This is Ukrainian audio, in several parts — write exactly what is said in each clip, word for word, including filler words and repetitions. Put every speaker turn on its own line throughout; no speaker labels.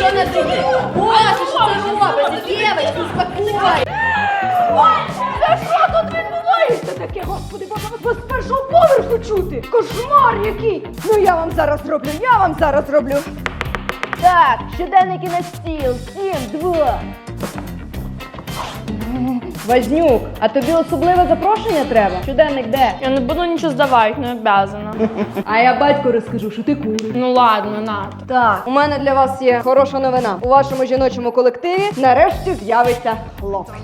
що на другий? Боже, що це робиться? Дівчатки, успокой!
Та що тут відбувається таке, господи, боже, вас з першого поверху чути? Кошмар який! Ну я вам зараз зроблю, я вам зараз зроблю. Так, щоденники на стіл, сім, два. Вознюк, а тобі особливе запрошення треба? Щоденник де?
Я не буду нічого здавати, не обязана.
А я батьку розкажу, що ти куриш.
Ну ладно, на.
Так, у мене для вас є хороша новина. У вашому жіночому колективі нарешті з'явиться хлопець.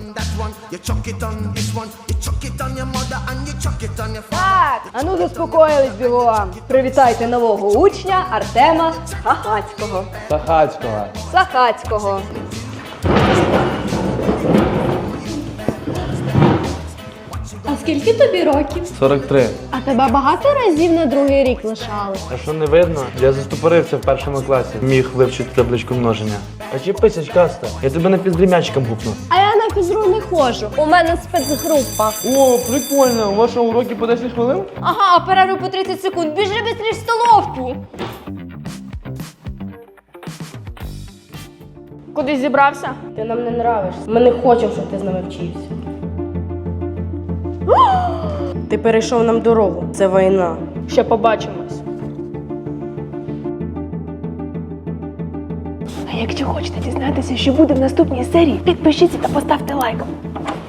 Так, а ну заспокоїлись бігом. Привітайте нового учня Артема Сахацького.
Сахацького.
Сахацького.
А скільки тобі років?
сорок три.
А тебе багато разів на другий рік лишали?
А що не видно? Я застопорився в першому класі. Міг вивчити табличку множення. А чіпися, каста. Я тебе на піздрі м'ячиком гупну.
А я на фізру не ходжу. У мене спецгрупа.
О, прикольно. У вашому уроці по десять хвилин?
Ага, а перерву по тридцять секунд. Біжи быстріш в столовку.
Кудись зібрався?
Ти нам не нравишся. Ми не хочемо, щоб ти з нами вчився. Ти перейшов нам дорогу. Це війна.
Ще побачимось.
А якщо хочете дізнатися, що буде в наступній серії, підпишіться та поставте лайк.